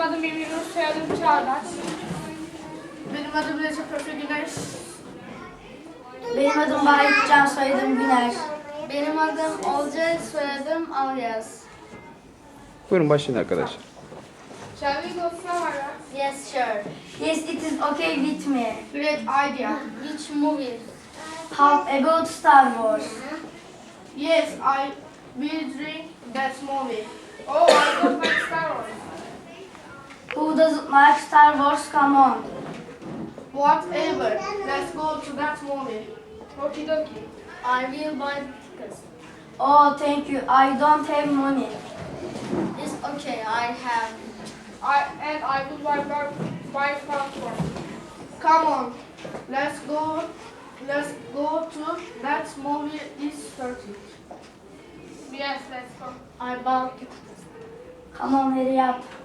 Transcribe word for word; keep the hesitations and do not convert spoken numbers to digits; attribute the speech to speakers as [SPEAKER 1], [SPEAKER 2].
[SPEAKER 1] adım Emir Nur, soyadım Çağdaş.
[SPEAKER 2] Benim adım Recep Efe Güneş.
[SPEAKER 3] Benim adım Vahit Can, soyadım Güner.
[SPEAKER 2] Benim adım Olcay, soyadım Alyaz.
[SPEAKER 4] Buyurun başlayın arkadaşlar.
[SPEAKER 1] Shall we go somewhere?
[SPEAKER 2] Yes, sure.
[SPEAKER 3] Yes, it is okay with me.
[SPEAKER 2] Great idea. Which movie?
[SPEAKER 3] How about Star Wars?
[SPEAKER 2] Yes, I will drink that movie.
[SPEAKER 1] Oh, I don't like Star Wars.
[SPEAKER 3] Who doesn't like Star Wars? Come on.
[SPEAKER 2] Whatever. Let's go to that movie.
[SPEAKER 1] Okie dokie.
[SPEAKER 2] I will buy tickets.
[SPEAKER 3] Oh, thank you. I don't have money.
[SPEAKER 2] It's okay, I have.
[SPEAKER 1] I and I would like to buy popcorn.
[SPEAKER 2] Come on. Let's go. Let's go to that movie this thirty.
[SPEAKER 1] Yes, let's go.
[SPEAKER 2] I bought tickets.
[SPEAKER 3] Come on, hurry up.